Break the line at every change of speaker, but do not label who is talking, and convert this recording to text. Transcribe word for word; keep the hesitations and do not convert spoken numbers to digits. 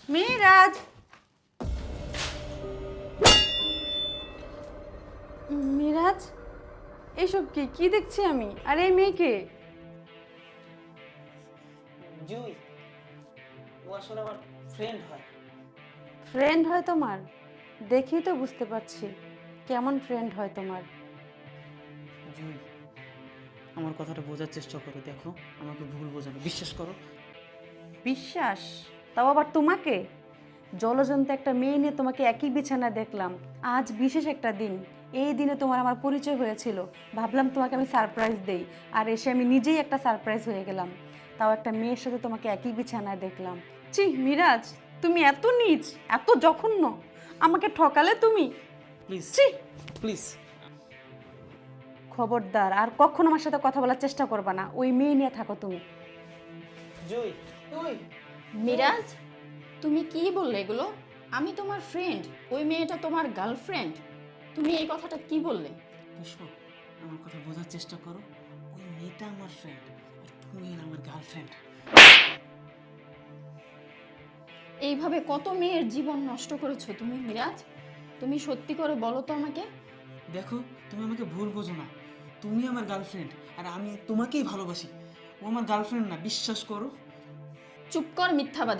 মিরাজ, মিরাজ, এসব কি কি দেখছি আমি? আর এই মেয়েকে?
জুই, ও আসলে আমার ফ্রেন্ড হয়।
ফ্রেন্ড হয় তোমার? দেখি তো বুঝতে পারছি কেমন ফ্রেন্ড হয় তোমার।
জুই, আমার কথাটা বোঝার চেষ্টা করো, দেখো আমাকে ভুল বোঝানো, বিশ্বাস করো।
বিশ্বাস? তাও আবার তোমাকে? জলজন্ত একটা মেয়ে নিয়ে তোমাকে একই বিছানায় দেখলাম। আজ বিশেষ একটা দিন, এই দিনে তোমার আমার পরিচয় হয়েছিল। ভাবলাম তোমাকে আমি সারপ্রাইজ দেই, আর এসে আমি নিজেই একটা সারপ্রাইজ হয়ে গেলাম। তাও একটা মেয়ের সাথে তোমাকে একই বিছানায় দেখলাম। ছি মিরাজ, তুমি এত নীচ, এত জঘন্য, আমাকে ঠকালে তুমি।
প্লিজ
ছি,
প্লিজ।
খবরদার আর কখনো আমার সাথে কথা বলার চেষ্টা করবা না। ওই মেয়ে নিয়ে থাকো তুমি।
জুই, জুই,
মিরাজ, তুমি কি বললে এগুলো? আমি তোমার ফ্রেন্ড, ওই মেয়েটা তোমার গার্লফ্রেন্ড। তুমি এই কথাটা কি বললে?
পুষ্প, আমার কথা বোঝার চেষ্টা করো। ওই মেয়েটা আমার ফ্রেন্ড, আর তুমি আমার গার্লফ্রেন্ড।
এইভাবে কত মেয়ের জীবন নষ্ট করেছো তুমি মিরাজ। তুমি সত্যি করে বলো তো আমাকে।
দেখো, তুমি আমাকে ভুল বোঝো না। তুমি আমার গার্লফ্রেন্ড, আর আমি তোমাকেই ভালোবাসি। ও আমার গার্লফ্রেন্ড না, বিশ্বাস করো।
চুপ কর মিথ্যাবাদী।